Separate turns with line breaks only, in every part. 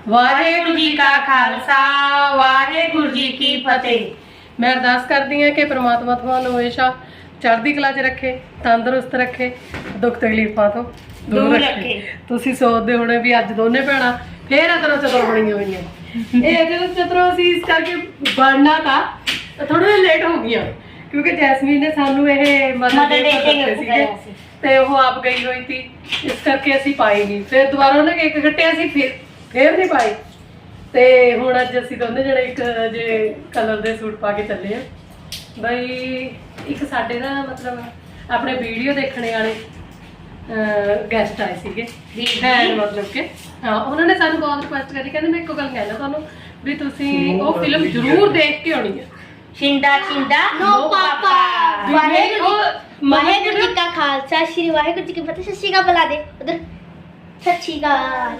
ਵਾਹਿਗੁਰੂ ਜੀ ਕਾ ਖਾਲਸਾ ਵਾਹਿਗੁਰੂ ਜੀ ਕੀ ਫਤਿਹ। ਮੈਂ ਅਰਦਾਸ ਕਰਦੀ ਹਾਂ ਕਿ ਪ੍ਰਮਾਤਮਾ ਤੁਹਾਨੂੰ ਹਮੇਸ਼ਾ ਚੜ੍ਹਦੀ ਕਲਾ 'ਚ ਰੱਖੇ, ਤੰਦਰੁਸਤ ਰੱਖੇ, ਦੁੱਖ ਤਕਲੀਫਾਂ ਤੋਂ ਦੂਰ ਰੱਖੇ। ਤੁਸੀਂ ਸੋਚਦੇ ਹੋਣੇ ਵੀ ਅੱਜ ਦੋਨੇ ਭੈਣਾਂ ਫੇਰ ਅਦਰੋਂ ਚਤਰੋਂ ਬਣੀਆਂ ਹੋਈਆਂ। ਇਹ ਅਦਰੋਂ ਚਤਰੋਂ ਅਸੀਂ ਇਸ ਕਰਕੇ ਬਣਨਾ ਤਾਂ ਥੋੜਾ ਲੇਟ ਹੋ ਗਈਆਂ ਕਿਉਂਕਿ ਜੈਸਮੀਨ ਨੇ ਸਾਨੂੰ ਇਹ ਮਦਦ ਦਿੱਤੇ ਸੀਗੇ ਤੇ ਉਹ ਆਪ ਗਈ ਹੋਈ ਸੀ, ਇਸ ਕਰਕੇ ਅਸੀਂ ਪਾਈ ਨਹੀਂ। ਫਿਰ ਦੁਬਾਰਾ ਉਹਨੇ ਕੇਕ ਕੱਟਿਆ ਸੀ, ਫੇਰ ਨਹੀਂ ਪਾਈ। ਤੇ ਹੁਣ ਅੱਜ ਅਸੀਂ ਦੋਨੇ ਜਿਹੜੇ ਇੱਕ ਜੇ ਕਲਰ ਦੇ ਸੂਟ ਪਾ ਕੇ ਚੱਲੇ ਆ। ਬਈ ਇੱਕ ਸਾਡੇ ਨਾ ਮਤਲਬ ਆਪਣੇ ਵੀਡੀਓ ਦੇਖਣੇ ਵਾਲੇ ਗੈਸਟ ਆਏ ਸੀਗੇ ਭੈਣ, ਮਤਲਬ ਕਿ ਹਾਂ ਉਹਨਾਂ ਨੇ ਸਾਨੂੰ ਬਹੁਤ ਰਿਕੁਐਸਟ ਕਰੀ, ਕਹਿੰਦੇ ਮੈਂ ਇੱਕੋ ਗੱਲ ਕਹਿਣਾ ਤੁਹਾਨੂੰ ਵੀ ਤੁਸੀਂ ਉਹ ਫਿਲਮ ਜ਼ਰੂਰ ਦੇਖ ਕੇ ਆਉਣੀ ਹੈ,
ਛਿੰਦਾ ਛਿੰਦਾ ਨੋ ਪਾਪਾ। ਵਾਹਿਗੁਰੂ ਜੀ ਕਾ ਖਾਲਸਾ ਸ਼੍ਰੀ ਵਾਹਿਗੁਰੂ ਜੀ ਕੀ ਫਤਿਹ। ਸਤਿ ਸ਼੍ਰੀ ਅਕਾਲ ਬੁਲਾ ਦੇ ਉਧਰ, ਸਤਿ ਸ਼੍ਰੀ ਅਕਾਲ।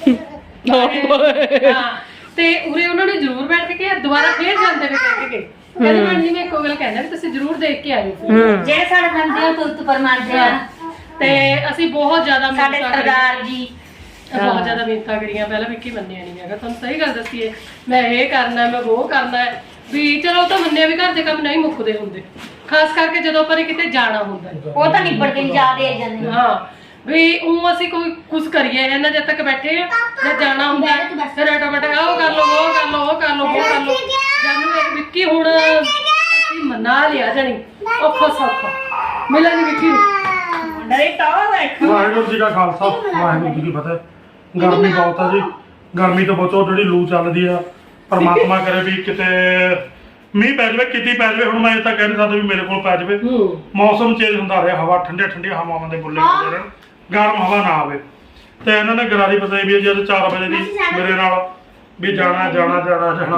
ਹਾਂ ਤੇ ਉਰੇ ਉਹਨਾਂ ਨੇ ਜ਼ਰੂਰ ਬੈਠ ਕੇ ਕਿਹਾ, ਦੁਬਾਰਾ ਫੇਰ ਜਾਂਦੇ ਨੇ ਕਹਿ ਕੇ ਕਹਿੰਦੇ ਮੈਡਮ ਜੀ ਮੈਂ ਇੱਕੋ ਗੱਲ ਕਹਿਣਾ ਵੀ ਤੁਸੀਂ ਜ਼ਰੂਰ ਦੇਖ ਕੇ ਆਇਓ
ਜਿਹੜੇ ਸਾਡੇ ਬੰਦੇ ਉਹ ਤੁਰਤ ਪਰਮਾਨਦੇ ਆ।
ਤੇ ਅਸੀਂ ਬਹੁਤ ਜ਼ਿਆਦਾ
ਸਾਡੇ ਸਰਦਾਰ ਜੀ
ਬਹੁਤ ਜ਼ਿਆਦਾ ਮਿਹਨਤਾਂ ਕਰੀਆਂ। ਪਹਿਲਾਂ ਵਿੱਕੀ ਮੰਨਿਆ ਨਹੀਂ ਹੈਗਾ, ਤੁਹਾਨੂੰ ਸਹੀ ਗੱਲ ਦੱਸੀਏ, ਮੈਂ ਇਹ ਕਰਨਾ ਮੈਂ ਉਹ ਕਰਨਾ ਵੀ ਚਲੋ ਉਹ ਤਾਂ ਮੰਨਿਆ ਵੀ ਘਰ ਦੇ ਕੰਮ ਨਹੀਂ ਮੁੱਕਦੇ ਹੁੰਦੇ, ਖਾਸ ਕਰਕੇ ਜਦੋਂ ਆਪਾਂ ਨੇ ਕਿਤੇ ਜਾਣਾ ਹੁੰਦਾ
ਉਹ ਤਾਂ ਨਿਬੜ ਕੇ ਯਾਦ ਆ ਜਾਂਦੇ।
ਹਾਂ ਵੀ ਉਹ ਅਸੀਂ ਕੋਈ ਕੁਝ ਕਰੀਏ ਇਹਨਾਂ ਜਦ ਤੱਕ ਬੈਠੇ ਆ ਜਾਂ ਜਾਣਾ ਹੁੰਦਾ ਫਿਰ ਆਟੋਮੈਟਿਕ ਉਹ ਕਰ ਲਓ ਉਹ ਕਰ ਲਓ ਉਹ ਕਰ ਲਓ ਉਹ ਕਰ ਲਓ। ਜਾਨੂੰ ਇਹ ਵਿੱਕੀ ਹੁਣ ਅਸੀਂ ਮਨਾ ਲਿਆ ਜਾਣੀ ਔਖਾ ਸੌਖਾ ਮਿਲਿਆ ਨਹੀਂ ਵਿੱਕੀ ਨੂੰ।
ਡਰੇ ਤਾਂ ਦੇਖੋ।
ਵਾਹਿਗੁਰੂ ਜੀ ਕਾ ਖਾਲਸਾ ਵਾਹਿਗੁਰੂ ਜੀ ਕੀ ਫਤਿਹ। ਗਰਮੀ ਬਹੁਤ ਆ ਜੀ, ਗਰਮੀ ਤੋਂ ਬਚੋ। ਜਿਹੜੀ ਲੂ ਚੱਲਦੀ ਆ ਪਰਮਾਤਮਾ ਕਰੇ ਵੀ ਕਿਤੇ ਮੀਂਹ ਪੈ ਜਾਵੇ, ਕਿਤੇ ਪੈ ਜਾਵੇ। ਹੁਣ ਮੈਂ ਇਹ ਤਾਂ ਕਹਿ ਨਹੀਂ ਸਕਦਾ ਵੀ ਮੇਰੇ ਕੋਲ ਪੈ ਜਾਵੇ। ਮੌਸਮ ਚੇਂਜ ਹੁੰਦਾ ਰਿਹਾ, ਹਵਾ ਠੰਡੀਆਂ ਠੰਡੀਆਂ ਹਵਾਵਾਂ ਦੇ ਬੁੱਲੇ ਹੁੰਦੇ ਰਹਿਣ, ਗਰਮ ਹਵਾ ਨਾ ਆਵੇ। ਤੇ ਇਹਨਾਂ ਨੇ ਗਰਾਰੀ ਪਤਾਈ ਵੀ ਜਦ 4 ਵਜੇ ਦੀ ਮੇਰੇ ਨਾਲ ਵੀ ਜਾਣਾ ਜਾਣਾ ਜਾਣਾ ਜਾਣਾ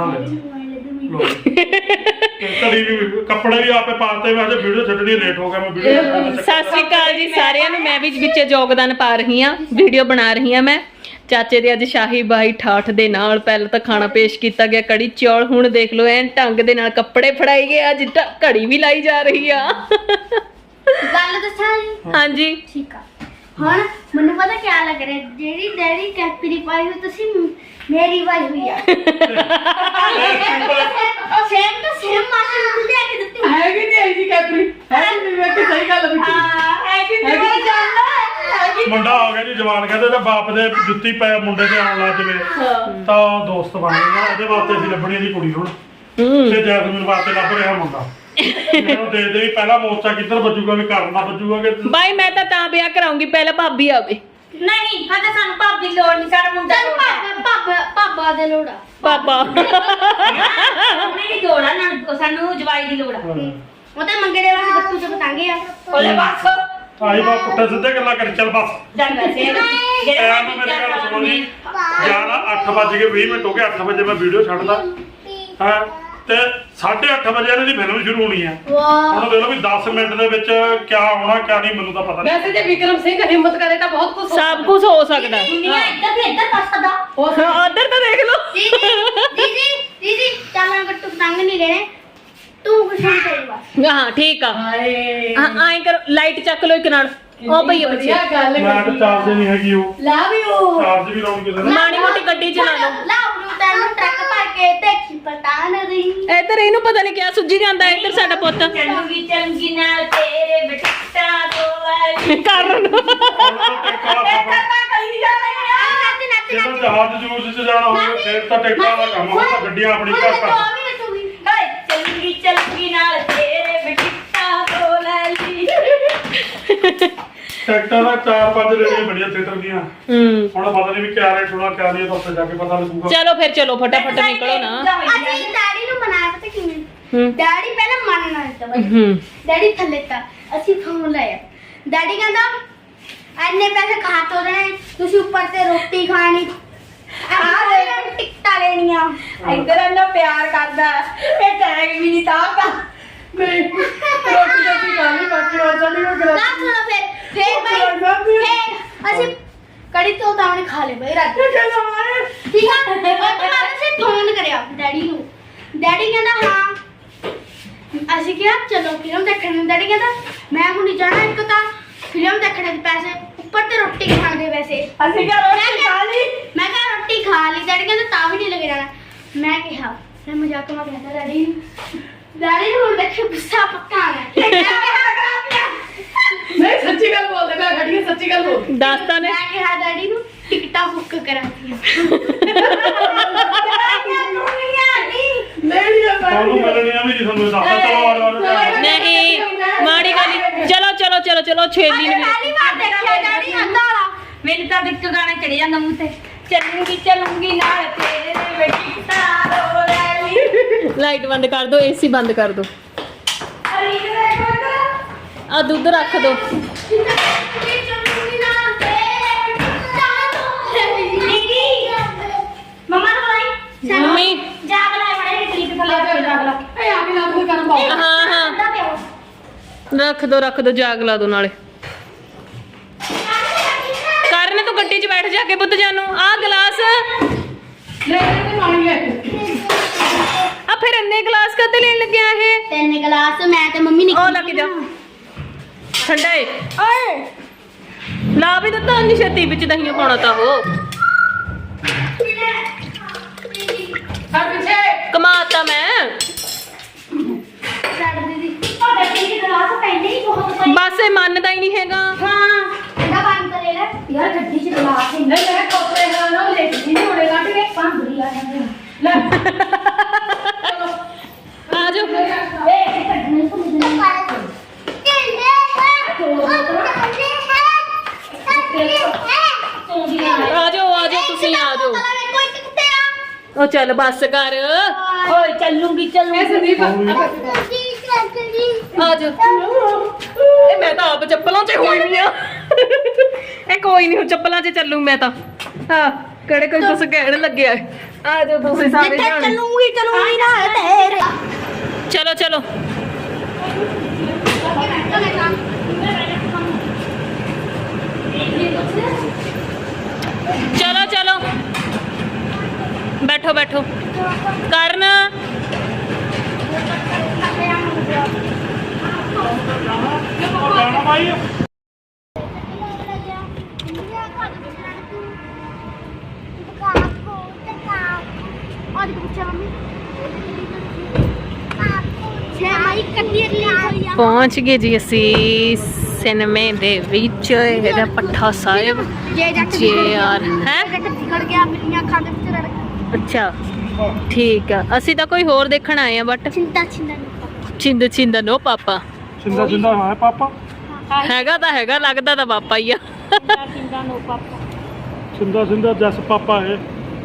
ਕਦੀ ਵੀ ਕੱਪੜੇ ਵੀ ਆਪੇ ਪਾਤੇ। ਮੈਂ ਅੱਜ ਵੀਡੀਓ ਛੱਡਣੀ ਲੇਟ ਹੋ ਗਿਆ। ਮੈਂ ਵੀਡੀਓ
ਸਤਿ ਸ੍ਰੀ ਅਕਾਲ ਜੀ ਸਾਰਿਆਂ ਨੂੰ। ਮੈਂ ਵੀ ਵਿੱਚ ਯੋਗਦਾਨ ਪਾ ਰਹੀ ਹਾਂ, ਵੀਡੀਓ ਬਣਾ ਰਹੀ ਹਾਂ। ਮੈਂ ਚਾਚੇ ਦੇ ਅੱਜ ਸ਼ਾਹੀ ਬਾਈ ਠਾਠ ਦੇ ਨਾਲ ਪਹਿਲਾਂ ਤਾਂ ਖਾਣਾ ਪੇਸ਼ ਕੀਤਾ ਗਿਆ, ਕੜੀ ਚੌਲ। ਹੁਣ ਦੇਖ ਲਓ ਐਨ ਢੰਗ ਦੇ ਨਾਲ ਕੱਪੜੇ ਫੜਾਈ ਗਏ, ਅੱਜ ਘੜੀ ਵੀ ਲਾਈ ਜਾ ਰਹੀ ਆ।
ਗੱਲ ਦੱਸਾਂ ਜੀ? ਹਾਂਜੀ ਠੀਕ ਆ। ਹੁਣ ਮੈਨੂੰ ਪਤਾ ਕੀ ਲੱਗ ਰਿਹਾ, ਜਿਹੜੀ ਡੈਡੀ ਕੈਪੀ ਦੀ ਪਾਈ ਹੋਈ ਤੁਸੀਂ ਮੇਰੀ ਪਾਈ ਹੋਈ ਆ। ਸੇਮ ਟੂ ਸੇਮ ਮਾਸੀ ਨੂੰ ਲਿਆ ਕੇ ਦਿੱਤੀ
ਹੈ ਕਿ ਨਹੀਂ ਜੀ ਕੈਪਰੀ ਹੈ ਨਹੀਂ ਮੈਂ ਕਿ ਸਹੀ ਗੱਲ ਵਿੱਕੀ
ਹੈ ਕਿ ਨਹੀਂ ਜਾਨਦਾ
ਮੁੰਡਾ ਹੋ ਗਿਆ ਜੀ ਜਵਾਨ। ਕਹਿੰਦੇ ਤੇ ਬਾਪ ਦੇ ਜੁੱਤੀ ਪੈ ਮੁੰਡੇ ਤੇ ਆਉਣ ਲੱਗ ਜਵੇ ਤਾਂ ਉਹ ਦੋਸਤ ਬਣ ਜਾਂਦਾ। ਇਹਦੇ ਵਾਸਤੇ ਅਸੀਂ ਲੱਭਣੀ ਦੀ ਕੁੜੀ ਹੁਣ ਤੇ ਜੈਸਮੀਨ ਵਾਸਤੇ ਲੱਭ ਰਿਹਾ ਮੁੰਡਾ। ਮੈਨੂੰ ਦੇ ਦੇ ਪਹਿਲਾ ਮੋਰਚਾ ਕਿੱਧਰ ਵੱਜੂਗਾ, ਵੀ ਕਰਨਾ ਵੱਜੂਗਾ ਕਿ
ਬਾਈ ਮੈਂ ਤਾਂ ਵਿਆਹ ਕਰਾਉਂਗੀ ਪਹਿਲਾਂ ਭਾਬੀ ਆਵੇ।
ਨਹੀਂ ਹਜੇ ਸਾਨੂੰ ਭਾਬੀ ਲੋੜ ਨਹੀਂ, ਸਾਡਾ ਮੁੰਡਾ ਪਾਪਾ ਦੇ ਲੋੜ ਆ।
ਪਾਪਾ
ਉਹਨੇ ਦੀ ਲੋੜ ਆ ਨਾ, ਸਾਨੂੰ ਜਵਾਈ ਦੀ ਲੋੜ ਆ। ਉਹ ਤਾਂ ਮੰਗੇ ਦੇ ਵਾਸਤੇ ਗੱਟੂ ਚ ਬਤਾਂਗੇ ਆ ਉਹਲੇ ਬਸ
ਆਈ ਬਾ ਪੁੱਠੇ ਸਿੱਧੇ ਗੱਲਾਂ ਕਰ ਚੱਲ ਬਸ।
ਜਾਂਦਾ ਸੇ
ਟਾਈਮ ਮੇਰੀ ਗੱਲ ਸੁਣੋ ਜੀ, 8:20 ਹੋ ਗਏ। 8 ਵਜੇ ਮੈਂ ਵੀਡੀਓ ਛੱਡਦਾ ਹਾਂ ਤੇ 8:30 ਵਜੇ ਇਹਨਾਂ ਦੀ ਫਿਲਮ ਸ਼ੁਰੂ ਹੋਣੀ ਆ। ਹੁਣ ਦੇਖ ਲਓ ਵੀ 10 ਮਿੰਟ ਦੇ ਵਿੱਚ ਕਿਆ ਹੋਣਾ ਕਿਆ ਨਹੀਂ ਮੈਨੂੰ ਤਾਂ ਪਤਾ ਨਹੀਂ।
ਵੈਸੇ ਜੇ ਵਿਕਰਮ ਸਿੰਘ ਹਿੰਮਤ ਕਰੇ ਤਾਂ ਬਹੁਤ ਕੁਝ
ਸਭ ਕੁਝ ਹੋ ਸਕਦਾ।
ਦੁਨੀਆ ਇੱਧਰ ਤੇ ਇੱਧਰ ਕਰ ਸਕਦਾ।
ਉਧਰ ਤਾਂ ਦੇਖ ਲਓ।
ਦੀਦੀ ਚੱਲ ਗੱਟੂ ਪਤੰਗ ਨਹੀਂ ਲੈਣੇ, ਤੂੰ ਕੁਛ ਨਹੀਂ ਕਰੀ ਬਸ।
ਹਾਂ ਠੀਕ ਆ।
ਹਾਏ
ਆਏ ਕਰ ਲਾਈਟ ਚੱਕ ਲੋ ਇੱਕ ਨਾਲ। ਉਹ ਭਈਆ ਬੱਚੇ
ਗੱਲ
ਮੈਂ ਤਾਂ ਚਾਰਜ ਨਹੀਂ ਹੈਗੀ, ਉਹ
ਲਵ ਯੂ।
ਚਾਰਜ ਵੀ ਲਾਉਣ ਕਿਸੇ ਨੇ।
ਮਾੜੀ ਮੋਟੀ ਗੱਡੀ ਚਲਾ ਲਓ।
ਲਾਉ ਨੂੰ ਤੈਨੂੰ ਟਰੱਕ ਭਰ ਕੇ ਦੇਖੀ ਪਤਾ ਨਹੀਂ।
ਇੱਧਰ ਇਹਨੂੰ ਪਤਾ ਨਹੀਂ ਕਿਆ ਸੁੱਜੀ ਜਾਂਦਾ। ਇੱਧਰ ਸਾਡਾ ਪੁੱਤ
ਚੰਗੀ ਚੰਗੀ ਨਾਲ ਤੇਰੇ ਬਿਟਾ ਤੋਂ
ਕਰਨ
ਜਦੋਂ ਜਹਾਜ਼ ਜੂਸ ਚ ਜਾਣਾ ਹੋਵੇ ਫਿਰ ਤਾਂ ਟਿਕਟਾਂ ਦਾ ਕੰਮ ਹੋਵੇ, ਤਾਂ ਗੱਡੀਆਂ ਆਪਣੀ ਘਰ
ਚੰਗੀ ਚੰਗੀ ਨਾਲ ਤੇਰੇ ਬਿਟਾ ਤੋਂ ਲੈ ਲਈ।
ਟਿਕਟਾਂ ਦਾ 4-5 ਰੇੜੀਆਂ ਬੜੀਆਂ ਥੀਏਟਰ ਦੀਆਂ। ਹੁਣ ਪਤਾ ਨਹੀਂ ਵੀ ਕਿਆ ਰੇਟ ਹੋਣਾ ਕਿਆ ਨਹੀਂ, ਉੱਥੇ ਜਾ ਕੇ ਪਤਾ ਲੱਗੂਗਾ।
ਚਲੋ ਫਿਰ ਚਲੋ ਫਟਾਫਟ ਨਿਕਲੋ ਨਾ।
ਅਸੀਂ ਡੈਡੀ ਨੂੰ ਮਨਾਇਆ ਪਤਾ ਕਿਵੇਂ? ਡੈਡੀ ਪਹਿਲਾਂ ਮੰਨਣਾ ਦਿੱਤਾ ਬਾਈ, ਡੈਡੀ ਥੱਲੇ ਤਾਂ ਅਸੀਂ ਫੋਨ ਲਾਇਆ। ਡੈਡੀ ਕਹਿੰਦਾ ਐਨੇ ਪੈਸੇ ਖਾ ਤੋ ਦੇਣੇ, ਤੁਸੀਂ ਉੱਪਰ ਤੇ ਰੋਟੀ ਖਾਣੀ, ਟਿਕਟਾਂ ਲੈਣੀਆਂ। ਇੱਧਰ ਇੰਨਾ ਪਿਆਰ ਕਰਦਾ, ਇਹ ਟੈਗ ਵੀ ਨਹੀਂ ਤਾਰਦਾ।
ਨਹੀਂ ਰੋਟੀ ਦਾ ਕੀ ਗੱਲ ਨਹੀਂ, ਬਾਕੀ ਹੋਰ ਸਾਡੀ ਕੋਈ ਗੱਲ
ਨਾ ਸੁਣੋ ਫਿਰ ਬਾਈ ਫਿਰ ਅਸੀਂ ਕੜੀ ਤੋਂ ਤਾਂ ਖਾ ਲੇ ਬਈ ਰਾਤ ਠੀਕ ਆ। ਉਹ ਤੋਂ ਬਾਅਦ ਅਸੀਂ ਫੋਨ ਕਰਿਆ ਡੈਡੀ ਨੂੰ। ਡੈਡੀ ਕਹਿੰਦਾ ਹਾਂ। ਅਸੀਂ ਕਿਹਾ ਚਲੋ ਫਿਲਮ ਦੇਖਣ ਨੂੰ। ਡੈਡੀ ਕਹਿੰਦਾ ਮੈਂ ਹੁਣ ਨਹੀਂ ਜਾਣਾ, ਇੱਕ ਤਾਂ ਫਿਲਮ ਦੇਖਣੇ ਦੇ ਪੈਸੇ, ਉੱਪਰ ਤੇ ਰੋਟੀ ਖਾਣ ਦੇ ਪੈਸੇ। ਅਸੀਂ ਕਿਹਾ ਰੋਟੀ ਖਾ ਲਈ। ਮੈਂ ਕਿਹਾ ਰੋਟੀ ਖਾ ਖਾ ਲਈ ਡੈਡੀ ਕਹਿੰਦੇ ਤਾਂ ਵੀ ਨਹੀਂ ਲੱਗ ਜਾਣਾ ਮੈਂ ਕਿਹਾ ਮੈਂ ਮਜ਼ਾਕ ਮਾ ਕਹਿੰਦਾ ਡੈਡੀ ਨੂੰ ਹੁਣ ਦੇਖੇ ਗੁੱਸਾ ਪੱਕਾ ਆਣਾ
ਨਹੀਂ ਸੱਚੀ ਗੱਲ ਬੋਲਦੇ ਮੈਂ ਖੜੀ ਸੱਚੀ ਗੱਲ ਬੋਲ
ਦੱਸਤਾ ਨੇ
ਮੈਂ ਕਿਹਾ ਡੈਡੀ ਨੂੰ ਟਿਕਟਾਂ ਬੁੱਕ ਕਰਾਤੀਆਂ
ਤੁਹਾਨੂੰ ਮਿਲਣੀਆਂ ਵੀ ਨਹੀਂ ਤੁਹਾਨੂੰ ਦੱਸਦਾ ਚਲੋ ਆ
ਨਹੀਂ ਮਾੜੀ ਗੱਲ ਨੀ। ਚਲੋ ਛੇਲੀ ਨੂੰ
ਪਹਿਲੀ ਵਾਰ ਦੇਖਿਆ ਡੈਡੀ ਆਂਦਾ ਵਾਲਾ
ਮੈਨੂੰ ਤਾਂ ਇੱਕ ਗਾਣਾ ਚੜ ਜਾਂਦਾ ਮੂੰਹ ਤੇ ਚੱਲੂੰਗੀ ਨਾਲ ਤੇਰੇ ਬੇਟੀ ਤਾਰੋ ਰੈਲੀ
ਲਾਈਟ ਬੰਦ ਕਰ ਦੋ ਏਸੀ ਬੰਦ ਕਰ ਦੋ ਆ ਦੁੱਧ ਰੱਖ ਦੋ
ਮਮਾ ਨੂੰ ਬੁਲਾਈ
ਮੰਮੀ
ਜਾਗ ਲੈ ਬੜੇ ਕਲਿੱਪ ਥੱਲੇ ਰੱਖ ਜਾਗ ਲਾ
ਏ ਆ ਕੇ ਲਾ ਕੋਈ ਕਰਨ ਪਾਓ
ਹਾਂ ਰੱਖ ਦੋ ਜਾਗ ਲਾ ਦੋ ਨਾਲੇ ਕਰਨ ਤੂੰ ਗੱਡੀ 'ਚ ਬੈਠ ਜਾ ਕੇ ਬੁੱਧ ਜਾਨੂੰ ਆ ਗਲਾਸ
ਲੈ ਤੇ ਪਾਣੀ ਲੈ
ਆ ਫਿਰ ਇੰਨੇ ਗਲਾਸ ਕਦੇ ਲੈਣ ਲੱਗਿਆ ਇਹ
ਤਿੰਨ ਗਲਾਸ ਮੈਂ ਤੇ ਮੰਮੀ
ਉਹ ਲੱਗ ਜਾ ਠੰਡਾ ਏ ਓਏ ਲਾ ਵੀ ਦਿੱਤਾ ਅੰਨੀ ਛੇਤੀ ਵਿੱਚ ਦਹੀਂਆਂ ਪਾਉਣਾ ਤਾਂ ਉਹ
ਸਰ ਪਿੱਛੇ
ਕਮਾਤਾ ਮੈਂ
ਛੱਡ ਦੀਦੀ ਉਹ ਗੱਡੀ ਦੇ ਗਲਾਸ ਪਹਿਲੇ ਹੀ ਬਹੁਤ ਪਏ
ਬਸ ਇਹ ਮੰਨਦਾ ਹੀ ਨਹੀਂ ਹੈਗਾ
ਹਾਂ ਇਹਦਾ ਬੰਦ ਕਰ ਲੈ ਯਾਰ ਗੱਡੀ 'ਚ ਗਲਾਸ ਹੀ
ਨਹੀਂ ਮੈਂ ਕੋਪਰੇ ਨਾਲ ਲੈ ਕੇ ਨਹੀਂ ਹੋਣੇ ਕੱਢ ਕੇ
ਪੰਦਰੀ ਆ ਜਾਂਦੇ
ਲੈ
ਆ ਜਾਓ
ਏ ਕੱਢਣੇ ਤੋਂ ਮੈਨੂੰ
ਆ ਜਾਓ ਤੁਸੀਂ ਆ ਜਾਓ
ਕੋਈ ਕਿੱਥੇ ਆ
ਉਹ ਚੱਲ ਬੱਸ ਕਰ
ਓਏ ਚੱਲੂੰਗੀ
ਇਹ ਸੰਦੀਪ
ਆ ਜਾਓ ਇਹ ਮੈਂ ਤਾਂ ਆਪ ਚੱਪਲਾਂ 'ਚ ਹੋਈ ਨਹੀਂ ਆ ਇਹ ਕੋਈ ਨਹੀਂ ਚੱਪਲਾਂ 'ਚ ਚੱਲੂ ਮੈਂ ਤਾਂ ਹਾਂ ਕਿਹੜੇ ਕੋਈ ਕੁਛ ਕਹਿਣ ਲੱਗਿਆ ਆ ਜਾਓ ਤੁਸੀਂ ਸਾਰੇ ਜਾਣੇ
ਚਲੂੰਗੀ ਨਾ ਤੇਰੇ
ਚਲੋ ਚਲੋ ਬੈਠੋ ਕਰਨ
ਜਾਣਾ ਭਾਈ
ਪਹੁੰਚ ਗਏ ਜੀ ਅਸੀਂ ਸਿਨੇਮੇ ਦੇ ਵਿੱਚ ਇਹਦਾ ਪੱਠਾ ਸਾਹਿਬ ਜੇ ਯਾਰ ਹੈ
ਖੜ ਗਿਆ ਮਿੱਟੀਆਂ ਖਾਂਦੇ ਵਿੱਚ ਰੜ
ਅੱਛਾ ਠੀਕ ਆ ਅਸੀਂ ਤਾਂ ਕੋਈ ਹੋਰ ਦੇਖਣ ਆਏ ਆ ਬਟ ਚਿੰਦ ਨੋ ਪਾਪਾ
ਜਿੰਦਾ ਹੈ ਪਾਪਾ
ਹੈਗਾ ਤਾਂ ਹੈਗਾ ਲੱਗਦਾ ਤਾਂ ਪਾਪਾ ਹੀ ਆ
ਜਿੰਦਾ ਜਸ ਪਾਪਾ ਹੈ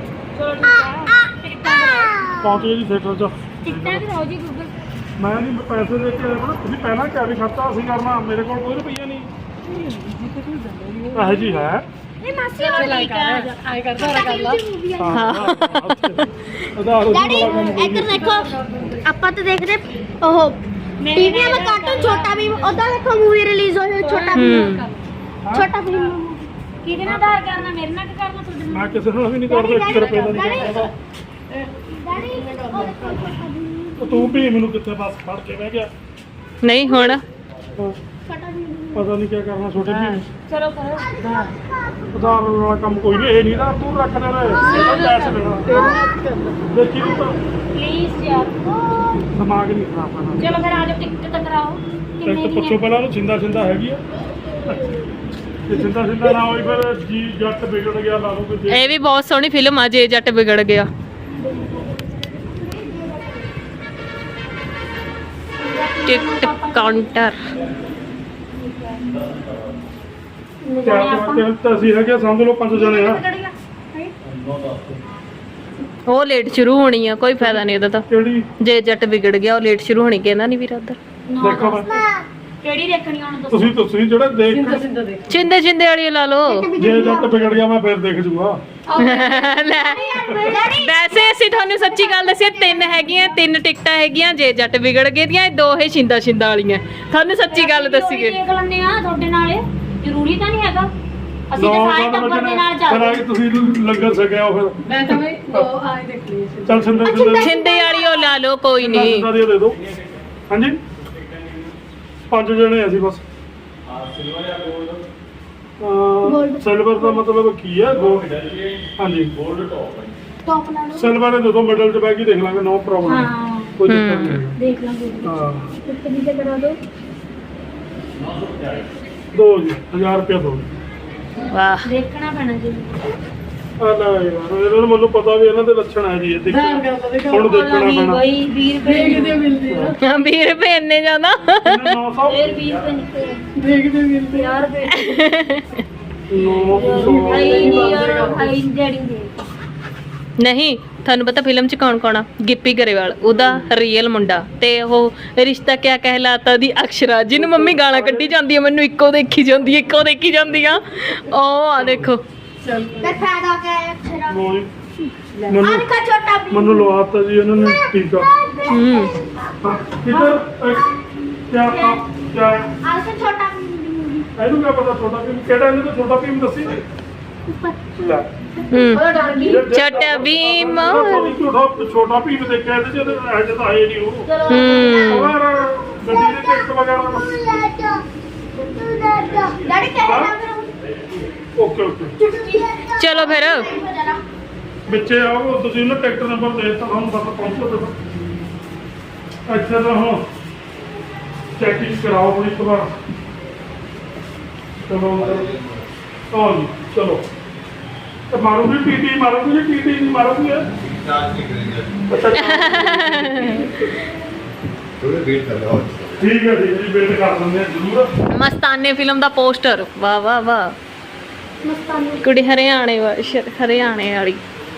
ਪਹੁੰਚ ਗਏ ਜੀ ਥੀਏਟਰ 'ਚ
ਟਿਕਟਾਂ ਕਰਾਓ ਜੀ ਗੂਗਲ
ਮੈਂ ਨਹੀਂ ਪੈਸੇ ਦੇ ਕੇ ਆਇਆ ਤੁਸੀਂ ਪਹਿਲਾਂ ਕਿਹਾ ਵੀ ਖਰਚਾ ਅਸੀਂ ਕਰਨਾ ਮੇਰੇ ਕੋਲ ਕੋਈ ਰੁਪਈਆ ਨਹੀਂ ਇਹ ਜੀ ਹੈ
ਇਹ ਮਾਸੀ
ਆਏ ਕਰਦਾ ਕਰ ਲਾ
ਹਾਂ ਆਧਾਰ
ਡੈਡੀ ਇੱਧਰ ਦੇਖੋ ਆਪਾਂ ਤਾਂ ਦੇਖਦੇ ਉਹ ਟੀਵੀ में ਕਾਰਟੂਨ ਛੋਟਾ ਵੀ ਉਹਦਾ ਦੇਖੋ ਮੂਵੀ ਰਿਲੀਜ਼ ਹੋਈ ਛੋਟਾ ਵੀ ਛੋਟਾ ਵੀ
ਕਿਹਦੇ ਨਾਲ ਆਧਾਰ ਕਰਨਾ ਮੇਰੇ ਨਾਲ ਕਿ ਕਰਨਾ ਤੁਹਾਡੇ
ਮੈਂ ਕਿਸੇ ਨੂੰ ਵੀ ਨਹੀਂ ਕਰਦਾ 1 ਰੁਪਏ ਦਾ ਨਹੀਂ ਕਰਦਾ
ਡੈਡੀ ਉਹ ਦੇਖੋ ਛੋਟਾ ਵੀ
ਤੂੰ ਵੀ ਮੈਨੂੰ ਕਿੱਥੇ ਬਸ ਫੜ ਕੇ ਬਹਿ ਗਿਆ
ਨਹੀਂ ਹੁਣ
ਛੋਟਾ ਵੀ
ਪਤਾ ਨਹੀਂ ਕੀ ਕਰਨਾ ਛੋਟੇ ਵੀ
ਚਲੋ ਕਰੋ
ਆਧਾਰ ਵਾਲਾ ਕੰਮ ਕੋਈ ਨਹੀਂ ਇਹ ਨਹੀਂ ਨਾ ਤੂੰ ਰੱਖ ਦੇ ਰੇ ਕੈਸ਼ ਦੇਣਾ ਦੇਖੀ ਤੂੰ ਤਾਂ
ਪਲੀਜ਼ ਯਾਰ
ਦਿਮਾਗ ਨਹੀਂ ਖਰਾਬ ਕਰਨਾ
ਚਲੋ ਫਿਰ ਆ ਜਾਓ ਟਿਕਟ ਤਾਂ ਕਰਾਓ ਕਿੰਨੇ
ਇੱਕ ਪੁੱਛੋ ਪਹਿਲਾਂ ਉਹ ਜਿੰਦਾ ਹੈਗੀ ਆ ਤੇ ਜਿੰਦਾ ਨਾ ਹੋਈ ਫਿਰ ਜੀ ਜੱਟ ਵਿਗੜ ਗਿਆ ਲਾ ਲਓ ਕਿ
ਇਹ ਵੀ ਬਹੁਤ ਸੋਹਣੀ ਫਿਲਮ ਆ ਜੇ ਜੱਟ ਵਿਗੜ ਗਿਆ ਟਿਕਟ ਕਾਊਂਟਰ
ਤਾਂ ਅਸੀਂ ਹੈਗੇ ਸਮਝ ਲਓ 5 ਜਣੇ ਆ
ਉਹ ਲੇਟ ਸ਼ੁਰੂ ਹੋਣੀ ਆ ਕੋਈ ਫਾਇਦਾ ਨਹੀਂ ਉਹਦਾ ਤਾਂ
ਕਿਹੜੀ
ਜੇ ਜੱਟ ਵਿਗੜ ਗਿਆ ਉਹ ਲੇਟ ਸ਼ੁਰੂ ਹੋਣੀ ਕਹਿੰਦਾ ਨਹੀਂ ਵੀਰ ਉਧਰ
ਦੇਖੋ ਮੈਂ
ਕਿਹੜੀ ਦੇਖਣੀ ਹੁਣ ਦੱਸੋ
ਤੁਸੀਂ ਜਿਹੜਾ ਦੇਖ
ਸਿੰਦਾ ਦੇ
ਚਿੰਦੇ ਵਾਲੀ ਲਾ ਲਓ
ਜੇ ਜੱਟ ਵਿਗੜ ਗਿਆ ਮੈਂ ਫਿਰ ਦੇਖ ਜੂਗਾ
ਲੈ ਵੈਸੇ ਅਸੀਂ ਤੁਹਾਨੂੰ ਸੱਚੀ ਗੱਲ ਦੱਸੀਏ 3 ਹੈਗੀਆਂ 3 ਟਿਕਟਾਂ ਹੈਗੀਆਂ ਜੇ ਜੱਟ ਵਿਗੜ ਗਏ ਦੀਆਂ ਇਹ 2 ਹੀ ਛਿੰਦਾ ਵਾਲੀਆਂ ਤੁਹਾਨੂੰ ਸੱਚੀ ਗੱਲ ਦੱਸੀਏ
ਦੇਖ ਲੈਂਦੇ ਆ ਤੁਹਾਡੇ ਨਾਲ ਜ਼ਰੂਰੀ ਤਾਂ ਨਹੀਂ ਹੈਗਾ ਅਸੀਂ ਤਾਂ ਸਾਰੇ ਟੱਬਰ ਦੇ ਨਾਲ
ਫਿਰ
ਚੱਲਦੇ
ਆ ਕੇ ਤੁਸੀਂ ਲੰਗਰ ਛਕਿਆ ਉਹ ਫਿਰ
ਮੈਂ ਤਾਂ ਵੀ ਦੋ ਆਏ ਦੇਖਣੀ ਸੀ
ਚੱਲ
ਛਿੰਦੇ ਵਾਲੀ ਉਹ ਲਾ ਲਓ ਕੋਈ ਨਹੀਂ
ਦੇ ਦਿਓ ਹਾਂਜੀ 5 ਜਣੇ ਅਸੀਂ ਬਸ ਸਿਲਵਰ ਦਾ ਮਤਲਬ ਕੀ ਹੈ ਗੋਲਡ ਹਾਂਜੀ
ਟੌਪ ਲਾ ਲਓ
ਸਿਲਵਰ ਦੇ ਦੋ ਮਿਡਲ 'ਚ ਬਹਿ ਕੇ ਦੇਖ ਲਾਂਗੇ ਨੋ ਪ੍ਰੋਬਲਮ
ਹਾਂ
ਕੋਈ ਦਿੱਕਤ ਨਹੀਂ ਹੈ।
ਦੇਖ ਲਾਂਗੇ
ਹਾਂ
ਉੱਤੇ ਨੀਚੇ ਕਰਾ ਦਿਓ
ਦੋ ਜੀ 1000 ਰੁਪਏ ਦੋ
ਵਾਹ
ਦੇਖਣਾ ਪੈਣਾ ਜੀ
ਆ ਲੈ ਯਾਰ ਇਹਨਾਂ ਨੂੰ ਮੈਨੂੰ ਪਤਾ ਵੀ ਇਹਨਾਂ ਦੇ ਲੱਛਣ ਹੈ ਜੀ ਇਹ ਦੇਖੋ ਹੁਣ ਦੇਖਣਾ ਪੈਣਾ
ਕੋਈ 20 ਰੁਪਏ
ਦੇਖਦੇ ਮਿਲਦੇ ਆ
20 ਰੁਪਏ ਇੰਨੇ ਜ਼ਿਆਦਾ
900
ਫਿਰ 20 ਰੁਪਏ ਨਿਕਲੇ
ਦੇਖਦੇ ਮਿਲਦੇ
50 ਰੁਪਏ
900
ਹਾਈ ਨਹੀਂ ਯਾਰ ਹਾਈ ਡੈਡੀ ਦੇ
ਨਹੀਂ ਤੁਹਾਨੂੰ ਪਤਾ ਫਿਲਮ 'ਚ ਕੌਣ ਕੌਣ ਆ ਗਿੱਪੀ ਗਰੇਵਾਲ ਉਹਦਾ ਰੀਅਲ ਮੁੰਡਾ ਤੇ ਉਹ ਰਿਸ਼ਤਾ ਕਿਆ ਕਹਿਲਾਤਾ ਦੀ ਅਕਸ਼ਰਾ ਜਿਹਨੂੰ ਮੰਮੀ ਗਾਲਾਂ ਕੱਢੀ ਜਾਂਦੀ ਆ ਮੈਨੂੰ ਇੱਕੋ ਦੇਖੀ ਜਾਂਦੀ ਆ ਉਹ ਆ ਦੇਖੋ
ਚੱਲ
ਤੇ ਫਾਇਦਾ ਕਿਆ ਹੈ ਅਕਸ਼ਰਾ
ਮੈਨੂੰ
ਅਨਕਾ ਛੋਟਾ ਵੀ
ਮੈਨੂੰ ਲਵਾਤਾ ਜੀ ਇਹਨਾਂ ਨੇ ਟੀਕਾ
ਹੂੰ
ਕਿਧਰ ਕਿਆ ਕਿਆ
ਆਲਸੇ ਛੋਟਾ ਵੀ
ਇਹਨੂੰ ਕਿਆ ਪਤਾ ਛੋਟਾ ਭੀਮ ਕਿਹੜਾ ਇਹਨੂੰ ਤਾਂ ਛੋਟਾ ਭੀਮ ਦੱਸੀ ਲੈ
ਹੂੰ ਛੋਟਾ ਭੀਮ।
ਛੋਟਾ ਭੀਮ ਦੇਖਿਆ ਇਹਦੇ ਚ ਅੱਜ ਤਾਂ ਆਏ ਨਹੀਂ ਉਹ
ਹੂੰ
ਹੋਰ ਗੱਡੀ ਦੇ ਟਿਕਟ ਵਗੈਰਾ
ਡੈਡੀ ਕਹਿ ਨਾ ਕਰੋ
ਓਕੇ ਓਕੇ
ਚਲੋ ਫਿਰ
ਵਿੱਚੇ ਆਓ ਤੁਸੀਂ ਨਾ ਟਿਕਟ ਨੰਬਰ ਦੇ ਦਿੱਤਾ ਤੁਹਾਨੂੰ ਬਸ ਪਹੁੰਚੋ ਤੇ ਅੱਛਾ ਤਾਂ ਹੁਣ ਚੈਕਿੰਗ ਕਰਾਓ ਬੜੀ ਇੱਕ ਵਾਰ ਚਲੋ ਆਓ ਜੀ ਚਲੋ ਤੇ ਮਾਰੂਗੀ ਟੀਟੀ ਮਾਰੂਗੀ ਜੀ ਟੀਟੀ ਨਹੀਂ ਮਾਰੂਗੀ ਅੱਛਾ
ਥੋੜੇ ਵੇਟ ਕਰ ਲਓ
ਠੀਕ ਹੈ ਜੀ ਵੇਟ ਕਰ ਲੈਂਦੇ ਹਾਂ ਜ਼ਰੂਰ
ਮਸਤਾਨੇ ਫਿਲਮ ਦਾ ਪੋਸਟਰ ਵਾਹ ਵਾਹ ਵਾਹ
ਮਸਤਾਨੀ
ਕੁੜੀ ਹਰਿਆਣੇ ਵਾਲੀ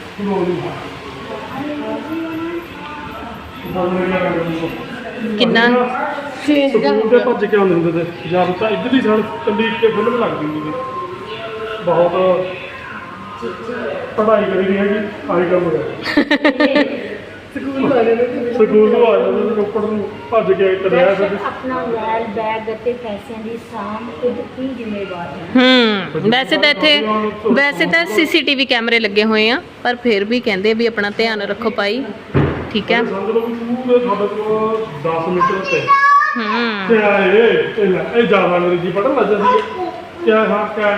ਕਿੰਨਾ
ਸਕੂਲ ਦੇ ਭੱਜ ਕੇ ਆਉਂਦੇ ਹੁੰਦੇ ਤੇ ਜਦ ਤਾਂ ਇੱਧਰਲੀ ਸਾਈਡ ਕੱਲੀ ਇੱਕ ਫਿਲਮ ਲੱਗਦੀ ਹੁੰਦੀ ਸੀ ਬਹੁਤ ਪੜ੍ਹਾਈ ਕਰੀ ਨਹੀਂ ਹੈਗੀ ਆਹੀ ਕੰਮ ਹੈ
ਸਕੂਲ ਵਾਲੇ ਨੇ
ਸਕੂਲ ਨੂੰ ਆ ਜਾਂਦੇ ਤੇ ਰੋਪੜ ਨੂੰ ਭੱਜ ਕੇ ਕਰਿਆ ਸੀ
ਆਪਣਾ ਮੋਬਾਈਲ ਬੈਗ ਅਤੇ ਪੈਸਿਆਂ ਦੀ ਸਾਂਭ ਖੁਦ ਹੀ ਜ਼ਿੰਮੇਵਾਰ ਹੈ
ਵੈਸੇ ਤਾਂ ਸੀਸੀਟੀਵੀ ਕੈਮਰੇ ਲੱਗੇ ਹੋਏ ਆ ਪਰ ਫਿਰ ਵੀ ਕਹਿੰਦੇ ਵੀ ਆਪਣਾ ਧਿਆਨ ਰੱਖੋ ਭਾਈ ਠੀਕ ਹੈ
ਸਮਝ ਲਓ ਵੀ ਪੂਰੇ ਸਾਡੇ ਕੋਲ 10 ਮੀਟਰ ਤੇ
ਹੂੰ
ਤੇ ਆਏ ਇਹ ਜ਼ਿਆਦਾ ਅੰਗਰੇਜ਼ੀ ਪੜ੍ਹਨ ਲੱਗ ਜਾਂਦੀ ਹੈ ਕਿਆ ਹਾਂ ਕਿਆ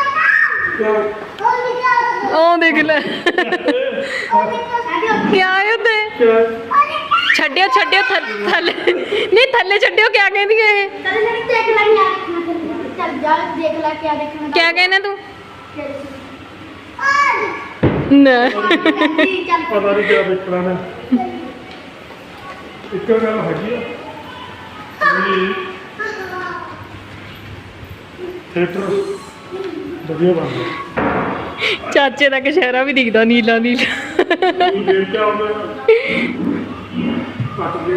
ਉਹ ਦੇਖ ਲੈ ਕਿਆ ਹੈ ਉੱਤੇ ਛੱਡਿਓ ਥੱਲੇ ਨਹੀਂ ਥੱਲੇ ਛੱਡਿਓ ਕਿਆ ਕਹਿੰਦੀ ਹੈ ਇਹ
ਚਲ ਜਣੀ ਦੇਖ ਲੈ ਯਾਰ ਚੱਲ ਜਾ ਦੇਖ ਲੈ ਕਿਆ ਦੇਖਣਾ
ਕਿਆ ਕਹਿਣਾ ਤੂੰ
ਚੱਲ
ਨਾ
ਪਤਾ ਨਹੀਂ ਕਿਆ ਵੇਖਣਾ ਨੇ ਇੱਕ ਗੱਲ ਹੈਗੀ ਆ ਵੀ ਥੀਏਟਰ ਵਧੀਆ ਬਣਦਾ
ਚਾਚੇ ਦਾ ਕਸ਼ਹਿਰਾ ਵੀ ਦਿਖਦਾ ਨੀਲਾ
ਤੂੰ ਦੇਖ ਕੇ ਆਉਂਦਾ ਕੱਟ ਦੇ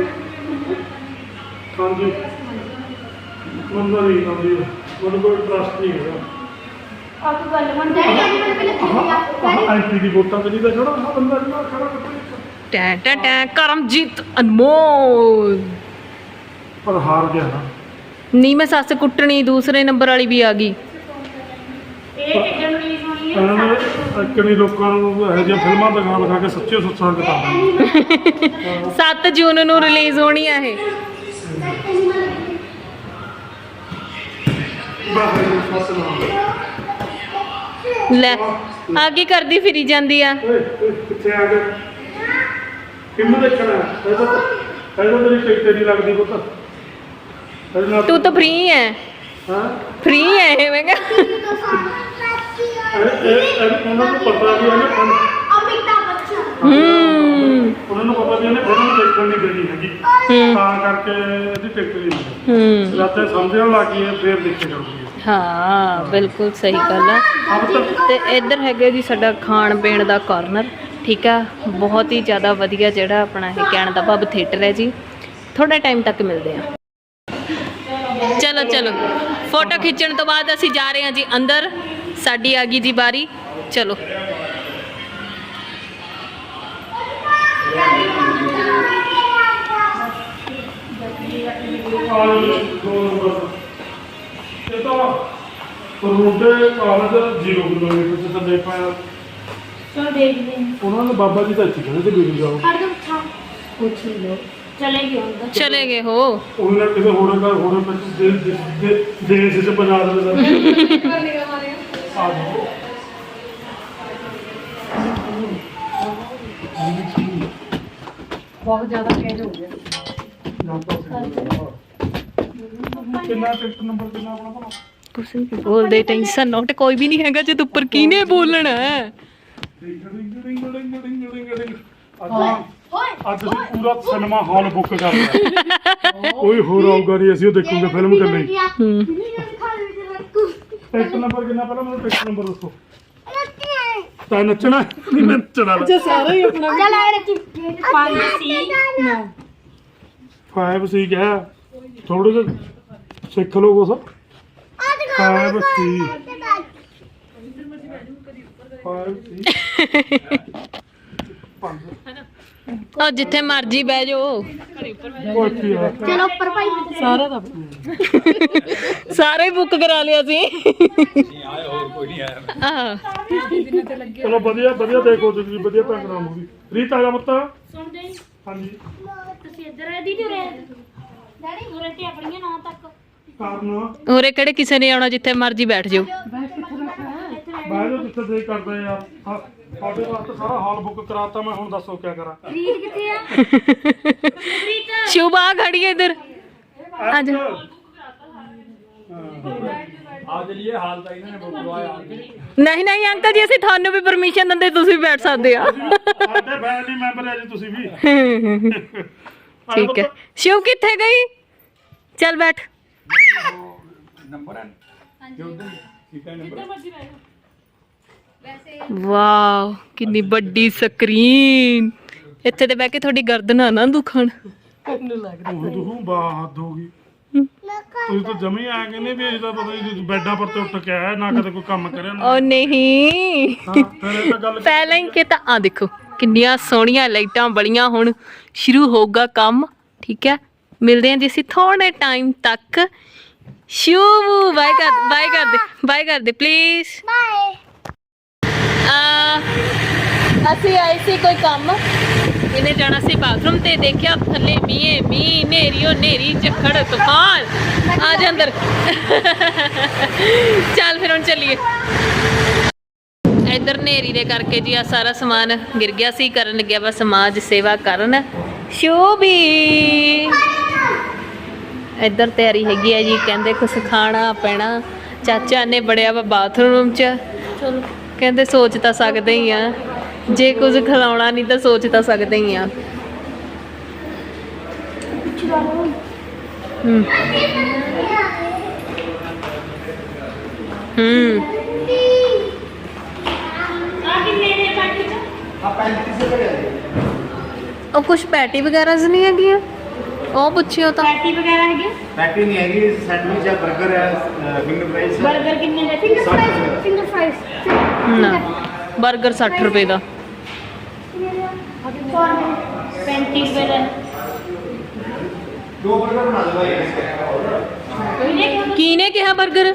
ਹਾਂਜੀ ਮੰਨਦਾ ਨਹੀਂ ਆਉਂਦੀ ਮੈਨੂੰ ਕੋਈ ਟਰਸਟ ਨਹੀਂ ਹੈਗਾ
ਆਪ ਗੱਲ ਮੰਨ
ਡੈਡੀ ਅੱਜ ਮੈਨੂੰ ਪਹਿਲੇ
ਐਂਟੀ ਦੀ ਵੋਟਾਂ ਤੇ ਨਹੀਂ ਤਾਂ ਛੜਾ ਆਹ ਬੰਦਾ ਜਿਹੜਾ ਖੜਾ ਕਿੱਥੇ
ਟੈਂ ਟੈਂ ਟੈਂ ਕਰਮਜੀਤ ਅਨਮੋਲ
ਪਰ ਹਾਰ ਗਿਆ ਨਾ
ਨੀ ਮੈਂ ਸੱਸ ਕੁੱਟਣੀ ਦੂਸਰੇ ਨੰਬਰ ਵਾਲੀ ਵੀ ਆ ਗਈ
ਇਹ ਕਿੱਦਾਂ ਰਿਲੀਜ਼ ਹੋਣੀ ਹੈ
ਇਹਨਾਂ ਨੇ ਕਿੰਨੀ ਲੋਕਾਂ ਨੂੰ ਇਹੋ ਜਿਹੀਆਂ ਫਿਲਮਾਂ ਦਿਖਾ ਕੇ ਸੱਚੇ ਸੁੱਚਾਂ ਕਿਤਾਬਾਂ
7 ਜੂਨ ਨੂੰ ਰਿਲੀਜ਼ ਹੋਣੀ ਆ ਇਹ
ਬਾਹਰ ਫਸ ਨਾ
ਲੈ ਆ ਕੀ ਕਰਦੀ ਫਿਰੀ ਜਾਂਦੀ ਆ
ਕਿੱਥੇ ਆ ਗਏ ਫਿਲਮ ਦੇਖਣਾ ਇਹਦਾ ਤੇਰੀ ਟਿਕਟ ਨਹੀਂ ਲੱਗਦੀ ਪੁੱਤ ਇਹਦੇ ਨਾਲ
ਤੂੰ ਤਾਂ ਫ੍ਰੀ ਹੈ
ਹਾਂ
ਫ੍ਰੀ ਹੈ ਇਹ ਮੈਂ ਕਿਹਾ
ਉਹਨਾਂ ਨੂੰ ਪਤਾ ਵੀ ਇਹਨੇ
ਅਮਿਤਾਭ ਬੱਚਨ
ਉਹਨਾਂ ਨੂੰ ਪਤਾ ਵੀ ਇਹਨੇ ਫਿਲਮ ਦੇਖਣ ਨਹੀਂ ਦੇਣੀ ਹੈਗੀ ਤਾਂ ਕਰਕੇ ਇਹਦੀ ਟਿਕਟ ਨਹੀਂ ਮਿਲਦੀ ਜਦ ਤੇ ਸਮਝਣ ਲੱਗ ਗਈ ਫੇਰ ਦੇਖੇ ਜਾਊਗੀ
ਹਾਂ ਬਿਲਕੁਲ ਸਹੀ ਗੱਲ ਆ ਤੇ ਇੱਧਰ ਹੈਗਾ ਜੀ ਸਾਡਾ ਖਾਣ ਪੀਣ ਦਾ ਕਾਰਨਰ ਠੀਕ ਆ ਬਹੁਤ ਹੀ ਜ਼ਿਆਦਾ ਵਧੀਆ ਜਿਹੜਾ ਆਪਣਾ ਇਹ ਕਹਿਣ ਦਾ ਭਾਵ ਥੀਏਟਰ ਹੈ ਜੀ ਥੋੜਾ ਟਾਈਮ ਤੱਕ ਮਿਲਦੇ ਆ ਚਲੋ ਫੋਟੋ ਖਿੱਚਣ ਤੋਂ ਬਾਅਦ ਅਸੀਂ ਜਾ ਰਹੇ ਹਾਂ ਜੀ ਅੰਦਰ ਸਾਡੀ ਆ ਗਈ ਜੀ ਬਾਰੀ ਚਲੋ
ਇਹ ਤਾਂ ਰੋਡੇ ਕਾਲਜ 0 ਕਿਲੋਮੀਟਰ ਤੇ ਥੱਲੇ ਪਾਇਆ
ਚਲੋ ਦੇਖਦੇ ਹਾਂ
ਉਹਨਾਂ ਨੇ ਬਾਬਾ ਜੀ ਦਾ ਇੱਥੇ ਕਹਿੰਦੇ ਤੇ ਵੀਡੀਓ ਜਾਓ
ਹਰ ਦਮ ਛਾ
ਪੁੱਛ ਲਓ ਚਲੇ ਗਏ ਹੁਣ ਤਾਂ।
ਚਲੇ ਗਏ ਹੋ।
ਉਹਨਾਂ ਨੇ ਕਿਸੇ ਹੋਰ ਘਰ ਹੋਰ ਦੇਸ਼ ਚ ਬਣਾ ਦੇਵੇ ਆ ਜਾਓ।
ਬਹੁਤ ਜ਼ਿਆਦਾ ਚੇਂਜ ਹੋ ਗਿਆ।
ਕਿੰਨਾ ਟਿਕਟ ਨੰਬਰ ਕਿੰਨਾ ਆਪਣਾ ਭਲਾ?
ਕੁਛ ਨਹੀਂ ਬੋਲਦੇ, ਟੈਨਸ਼ਨ ਨੋਟ ਕੋਈ ਵੀ ਨਹੀਂ ਹੈਗਾ ਜਦ ਉੱਪਰ ਕਿਹਨੇ ਬੋਲਣਾ ਹੈ।
ਅੱਜ ਅਸੀਂ ਪੂਰਾ ਸਿਨੇਮਾ ਹਾਲ ਬੁੱਕ ਕਰ ਲਿਆ। ਕੋਈ ਹੋਰ ਆਊਗਾ ਨਹੀਂ, ਅਸੀਂ ਉਹ ਦੇਖੂਗੇ ਫਿਲਮ ਇਕੱਲੇ ਹੀ। ਟਿਕਟ ਨੰਬਰ ਕਿੰਨਾ ਪਹਿਲਾਂ ਮੈਨੂੰ ਟਿਕਟ ਨੰਬਰ ਦੱਸੋ। ਤਾਂ ਨੱਚਣਾ ਨਹੀਂ ਨੱਚਣਾ
ਅੱਛਾ ਸਾਰਾ ਹੀ ਆਪਣਾ
ਚੱਲ ਆ ਰੱਖੀ
5 ਸੀ
5 ਸੀ ਕਿਹਾ ਥੋੜੇ ਜਿਹਾ ਸਿੱਖ ਲਓ ਕੁਛ। 5 ਸੀ 5 ਸੀ 5
ਉਹ ਜਿੱਥੇ ਮਰਜੀ ਬਹਿ ਜਾਓ,
ਉਹ ਕੀ ਹੈ
ਚਲੋ ਉੱਪਰ ਭਾਈ
ਸਾਰਾ ਦਾ
ਸਾਰਾ ਹੀ ਬੁੱਕ ਕਰਾ ਲਿਆ ਸੀ। ਆਹ
ਚਲੋ ਵਧੀਆ ਵਧੀਆ ਦੇਖੋ ਤੁਸੀਂ, ਵਧੀਆ ਢੰਗ ਨਾਲ ਮੂਵੀ। ਰੀਤ ਆ ਜਾ ਮੱਤਾ।
ਸੁਣਦੇ ਨੀ?
ਹਾਂਜੀ
ਤੁਸੀਂ ਇੱਧਰ ਆ ਦੀਦੀ ਉਰੇ ਡੈਡੀ ਉਰੇ ਤੇ ਆਪਣੀਆਂ ਨਾਂ ਤੱਕ
ਕਾਰਨ
ਉਰੇ ਕਿਹੜੇ ਕਿਸੇ ਨੇ ਆਉਣਾ, ਜਿੱਥੇ ਮਰਜੀ ਬੈਠ ਜਾਓ।
ਬਾਹਰ ਜੋ ਜਿੱਥੇ ਦੇ ਕਰਦੇ ਯਾਰ ਸਾਡੇ ਵਾਸਤੇ ਸਾਰਾ ਹਾਲ ਬੁੱਕ ਕਰਾਤਾ। ਮੈਂ ਹੁਣ ਦੱਸੋ ਕੀ ਕਰਾਂ।
ਰੀਤ ਕਿੱਥੇ ਆ?
ਸ਼ੁਭ ਆ ਖੜੀ ਹੈ ਇੱਧਰ ਆ ਜਾ। ਨਹੀਂ ਨਹੀਂ ਅੰਕਲ ਜੀ, ਅਸੀਂ ਤੁਹਾਨੂੰ ਵੀ ਪਰਮਿਸ਼ਨ ਦਿੰਦੇ, ਤੁਸੀਂ ਬੈਠ ਸਕਦੇ ਆ।
ਸਾਡੇ ਫੈਮਿਲੀ ਮੈਂਬਰ ਹੈ ਜੀ ਤੁਸੀਂ ਵੀ।
ਠੀਕ ਹੈ। ਸ਼ਿਵ ਕਿੱਥੇ ਗਈ? ਚੱਲ ਬੈਠ। ਵਾਓ ਕਿੰਨੀ ਵੱਡੀ ਸਕਰੀਨ। ਇੱਥੇ ਤੇ ਬਹਿ ਕੇ ਤੁਹਾਡੀ ਗਰਦਨ ਨਾ ਦੁਖਣ।
ਮੈਨੂੰ ਲੱਗਦਾ
ਉਹ ਤੂੰ ਬਾਤ ਹੋ ਗਈ। ਤੁਸੀਂ ਤਾਂ ਜਮੀ ਆ ਗਏ ਨੇ ਵੀ ਇਹਦਾ ਪਤਾ ਨਹੀਂ ਬੈੱਡਾਂ ਪਰ ਤੇ ਉੱਠ ਕੇ ਆਇਆ ਨਾ, ਕਦੇ ਕੋਈ ਕੰਮ ਕਰਿਆ ਨਾ।
ਉਹ ਨਹੀਂ,
ਹਾਂ ਫਿਰ ਇਹ ਤਾਂ ਗੱਲ
ਪਹਿਲਾਂ ਹੀ ਕਿ ਤਾਂ ਆ ਦੇਖੋ ਕਿੰਨੀਆਂ ਸੋਹਣੀਆਂ ਲਾਈਟਾਂ ਬਲੀਆਂ। ਹੁਣ ਸ਼ੁਰੂ ਹੋਊਗਾ ਕੰਮ, ਠੀਕ ਹੈ। ਮਿਲਦੇ ਹਾਂ ਜੀ ਅਸੀਂ ਥੋੜੇ ਟਾਈਮ ਤੱਕ। ਸ਼ੁਭ ਬਾਏ ਕਰ ਦੇ ਪਲੀਜ਼।
ਬਾਏ।
ਅਸੀਂ ਆਏ ਸੀ ਕੋਈ ਕੰਮ, ਇਹਨੇ ਜਾਣਾ ਸੀ ਬਾਥਰੂਮ ਤੇ ਦੇਖਿਆ ਥੱਲੇ ਮੀਂਹ ਨੇਰੀ ਝੱਖੜ ਤੂਫਾਨ। ਆ ਜਾ ਅੰਦਰ। ਚੱਲ ਫਿਰ ਹੁਣ ਚੱਲੀਏ। ਇੱਧਰ ਨੇਰੀ ਦੇ ਕਰਕੇ ਜੀ ਆ ਸਾਰਾ ਸਮਾਨ ਗਿਰ ਗਿਆ ਸੀ। ਕਰਨ ਲੱਗਿਆ ਵਾ ਸਮਾਜ ਸੇਵਾ ਕਰਨ ਸ਼ੋਭੀ। ਇੱਧਰ ਤਿਆਰੀ ਹੈਗੀ ਆ ਜੀ, ਕਹਿੰਦੇ ਕੁਛ ਖਾਣਾ ਪੈਣਾ। ਚਾਚਾ ਨੇ ਬੜਿਆ ਵਾ ਬਾਥਰੂਮ 'ਚ। ਚਲੋ ਕਹਿੰਦੇ ਸੋਚ ਤਾਂ ਸਕਦੇ ਹੀ ਆ, ਜੇ ਕੁਝ ਖਿਲਾਉਣਾ ਨਹੀਂ ਤਾਂ ਸੋਚ ਤਾਂ ਸਕਦੇ ਹੀ ਆ।
ਆ ਕਿੰਨੇ ਨੇ ਪਾਟੀ ਚ?
ਉਹ ਕੁਝ ਪੈਟੀ ਵਗੈਰਾ ਨਹੀਂ ਹੈਗੀਆਂ, ਉਹ ਪੁੱਛਿਓ ਤਾਂ।
ਪਾਟੀ ਵਗੈਰਾ ਹੈਗੇ?
पैटी नहीं हैगी, सैंडविच है, बर्गर है, फिंगर फ्राइज है।
버ਗਰ ਕਿੰਨੇ ਦੇ?
ਫਿੰਗਰ ਫਰਾਈਜ਼
ਨਾ 버ਗਰ 60 ਰੁਪਏ ਦਾ।
35 ਰੁਪਏ ਦਾ।
दो बर्गर बना दो भाई।
ਕਿਹਨੇ ਕਿਹਾ 버ਗਰ?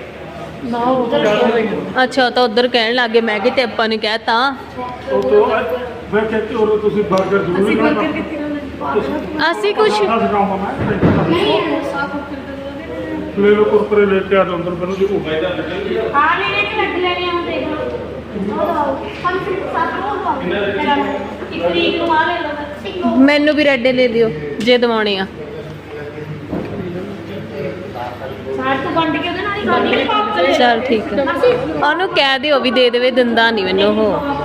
ਅੱਛਾ ਤਾਂ ਉਧਰ ਕਹਿਣ ਲੱਗੇ, ਮੈਂ ਕਿਤੇ ਆਪਾਂ ਨੇ ਕਹਿਤਾ।
ਉਹ ਤੋਂ ਫਿਰ ਕਹਿੰਦੇ ਹੋਰ ਤੁਸੀਂ 버ਗਰ ਜ਼ਰੂਰ ਲੈਣਾ।
ਅਸੀਂ ਕੁਝ
ਸਿਖਾਉਂਗਾ ਮੈਂ। ਲੈ ਲੋ ਕੁਰਕਰੇ ਲੈ ਕੇ ਆ ਜਾਓ ਅੰਦਰ ਮੈਨੂੰ ਜੀ।
ਹਾਂ ਲੈਣੇ ਤੇ ਲੱਗ ਲੈਣੇ ਆ ਦੇਖ ਲਓ। ਇੱਕ ਤਰੀਕ ਨੂੰ ਆ ਲੈ ਲਓ।
ਮੈਨੂੰ ਵੀ ਰੈਡੇ ਲੈ ਦਿਓ ਜੇ ਦਵਾਉਣੇ ਆ।
ਸਾਰ ਤੋਂ ਵੰਡ ਕੇ ਉਹਦੇ ਨਾਲ ਹੀ ਖਾਣੀ ਨਹੀਂ ਪਾਪ
ਚਲ ਠੀਕ ਹੈ, ਉਹਨੂੰ ਕਹਿ ਦਿਓ ਵੀ ਦੇ ਦੇਵੇ, ਦਿੰਦਾ ਨਹੀਂ ਮੈਨੂੰ ਉਹ।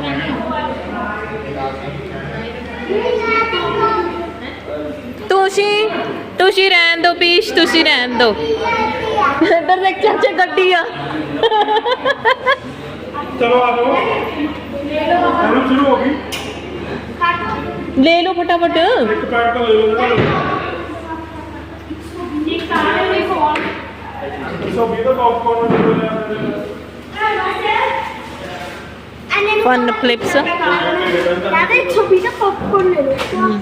ਤੁਸੀਂ ਰਹਿਣ ਦਿਓ ਪੀਸ਼, ਤੁਸੀਂ ਰਹਿਣ ਦਿਓ। ਇੱਧਰ ਦੇਖ ਚਾਚਾ ਗੱਡੀ ਆ।
ਚਲੋ ਆ ਜਾਓ। ਫਿਲਮ ਸ਼ੁਰੂ ਹੋ ਗਈ।
ਲੈ ਲਓ ਫਟਾਫਟ।
ਇੱਕ ਪੈਕ ਤਾਂ ਲੈ ਲਓ।
ਇੱਕ ਸਾਰੇ ਦੇ ਫੋਨ
120 ਦਾ ਪੌਪਕਾਰਨ ਲੈ ਲਿਆ।
Fun flips.
दादा 120 का पॉपकॉर्न ले लो।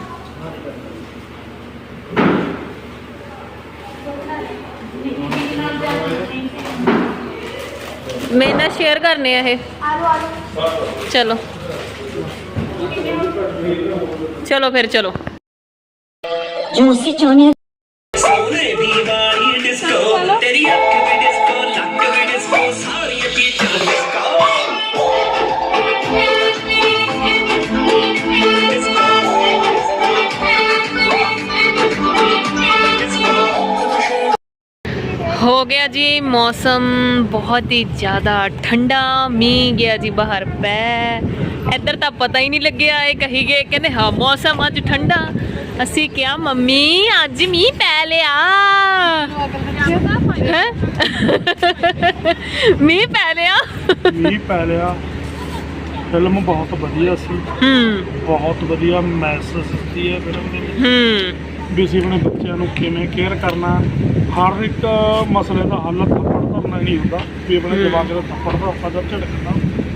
ਮੇਰੇ ਨਾਲ ਸ਼ੇਅਰ ਕਰਨੇ ਆ ਇਹ।
आलू आलू
ਚਲੋ ਚਲੋ ਫਿਰ ਚਲੋ।
जो उससे चाहने
ਹੋ ਗਿਆ ਜੀ ਮੌਸਮ ਬਹੁਤ ਹੀ ਜ਼ਿਆਦਾ ਠੰਡਾ ਮੀਂਹ ਗਿਆ ਜੀ ਬਾਹਰ ਪੈ ਇੱਧਰ ਤਾਂ ਪਤਾ ਹੀ ਨਹੀਂ ਲੱਗਿਆ ਇਹ ਕਹੀ ਗਏ ਕਹਿੰਦੇ ਹਾਂ ਮੌਸਮ ਅੱਜ ਠੰਡਾ ਅਸੀਂ ਕਿਹਾ ਮੰਮੀ ਅੱਜ ਮੀਂਹ ਪੈ ਲਿਆ ਹੈਂ? ਮੀਂਹ ਪੈ ਲਿਆ
ਮੀਂਹ ਪੈ ਲਿਆ ਫਿਲਮ ਬਹੁਤ ਵਧੀਆ ਸੀ ਬਹੁਤ ਵਧੀਆ ਮੈਸੇਜ ਦਿੱਤੀ ਹੈ ਫਿਲਮ ਦੇ ਵਿੱਚ ਵੀ ਅਸੀਂ ਆਪਣੇ ਬੱਚਿਆਂ ਨੂੰ ਕਿਵੇਂ ਕੇਅਰ ਕਰਨਾ ਹਰ ਇੱਕ ਮਸਲੇ ਦਾ ਹੱਲ ਥੱਪੜ ਧਰਨਾ ਨਹੀਂ ਹੁੰਦਾ ਵੀ ਆਪਣੇ ਜਵਾਕ ਦਾ ਥੱਪੜ ਦਾ ਆਪਾਂ ਦਾ ਝੜਕਣਾ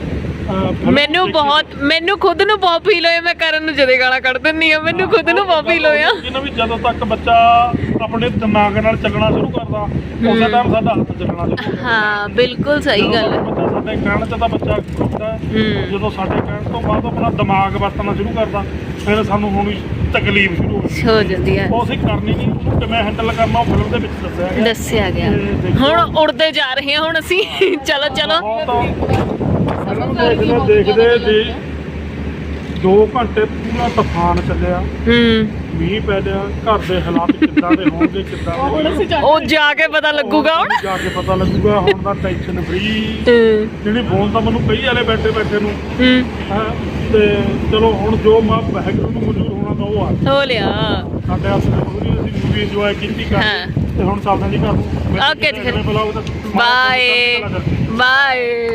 ਮੈਨੂੰ ਖੁਦ ਨੂੰ ਬਹੁਤ ਫੀਲ ਹੋਇਆ ਮੈਂ ਕਰਨ ਨੂੰ ਜਦੇ ਗਾਲਾਂ ਕੱਢ ਦਿੰਦੀ ਆ ਮੈਨੂੰ ਖੁਦ ਨੂੰ ਬਹੁਤ ਫੀਲ ਹੋਇਆ
ਇਹਨਾਂ ਵੀ ਜਦੋਂ ਤੱਕ ਬੱਚਾ ਆਪਣੇ ਦਿਮਾਗ ਨਾਲ ਚੱਲਣਾ ਸ਼ੁਰੂ ਕਰਦਾ ਉਸੇ ਟਾਈਮ ਸਾਡਾ ਹੱਥ ਚੱਲਣਾ ਸ਼ੁਰੂ ਕਰਦਾ
ਹਾਂ ਬਿਲਕੁਲ ਸਹੀ ਗੱਲ ਹੈ
ਬੱਚਾ ਸਾਡੇ ਕਹਿਣ 'ਚ ਤਾਂ ਬੱਚਾ ਖੁੱਲਦਾ ਜਦੋਂ ਸਾਡੇ ਕਹਿਣ ਤੋਂ ਬਾਅਦ ਆਪਣਾ ਦਿਮਾਗ ਵਰਤਣਾ ਸ਼ੁਰੂ ਕਰਦਾ ਫਿਰ ਸਾਨੂੰ ਹੋਣੀ ਤਕਲੀਫ ਸ਼ੁਰੂ
ਹੋ ਜਾਂਦੀ ਹੈ
ਉਹ ਅਸੀਂ ਕਰਨੀ ਨਹੀਂ ਉਹਨੂੰ ਕਿਵੇਂ ਹੈਂਡਲ ਕਰਨਾ ਉਹ ਫਿਲਮ ਦੇ ਵਿੱਚ
ਦੱਸਿਆ ਗਿਆ ਹੁਣ ਉੜਦੇ ਜਾ ਰਹੇ ਹਾਂ ਹੁਣ ਅਸੀਂ ਚਲੋ
ਦੇਖਦੇ ਜੀ 2 ਘੰਟੇ ਪੂਰਾ ਤੂਫਾਨ ਚੱਲਿਆ ਮੀਂਹ ਪੈ ਲਿਆ ਘਰ ਦੇ ਹਾਲਾਤ ਕਿੱਦਾਂ ਦੇ ਹੋਣਗੇ ਕਿੱਦਾਂ
ਉਹ ਜਾ ਕੇ ਪਤਾ ਲੱਗੂਗਾ ਹੁਣ
ਜਾ ਕੇ ਪਤਾ ਲੱਗੂਗਾ ਹੁਣ ਦਾ ਟੈਨਸ਼ਨ ਫਰੀ ਜਿਹੜੀ ਫੋਨ ਤਾਂ ਮੈਨੂੰ ਕਈ ਵਾਲੇ ਬੈਠੇ ਨੂੰ ਹਾਂ ਤੇ ਚਲੋ ਹੁਣ ਜੋ ਮਾਂ ਵਾਹਿਗੁਰੂ ਨੂੰ ਮਨਜ਼ੂਰ ਹੋਣਾ ਤਾਂ ਉਹ ਆ
ਹੋ ਲਿਆ
ਸਾਡੇ ਹੱਥ ਦੇ ਪੂਰੀ ਅਸੀਂ ਮੂਵੀ ਇੰਜੋਏ ਕੀਤੀ ਤੇ ਹੁਣ ਚੱਲਦੇ ਜੀ ਘਰ ਨੂੰ
ਓਕੇ ਜੀ ਬਾਏ ਬਾਏ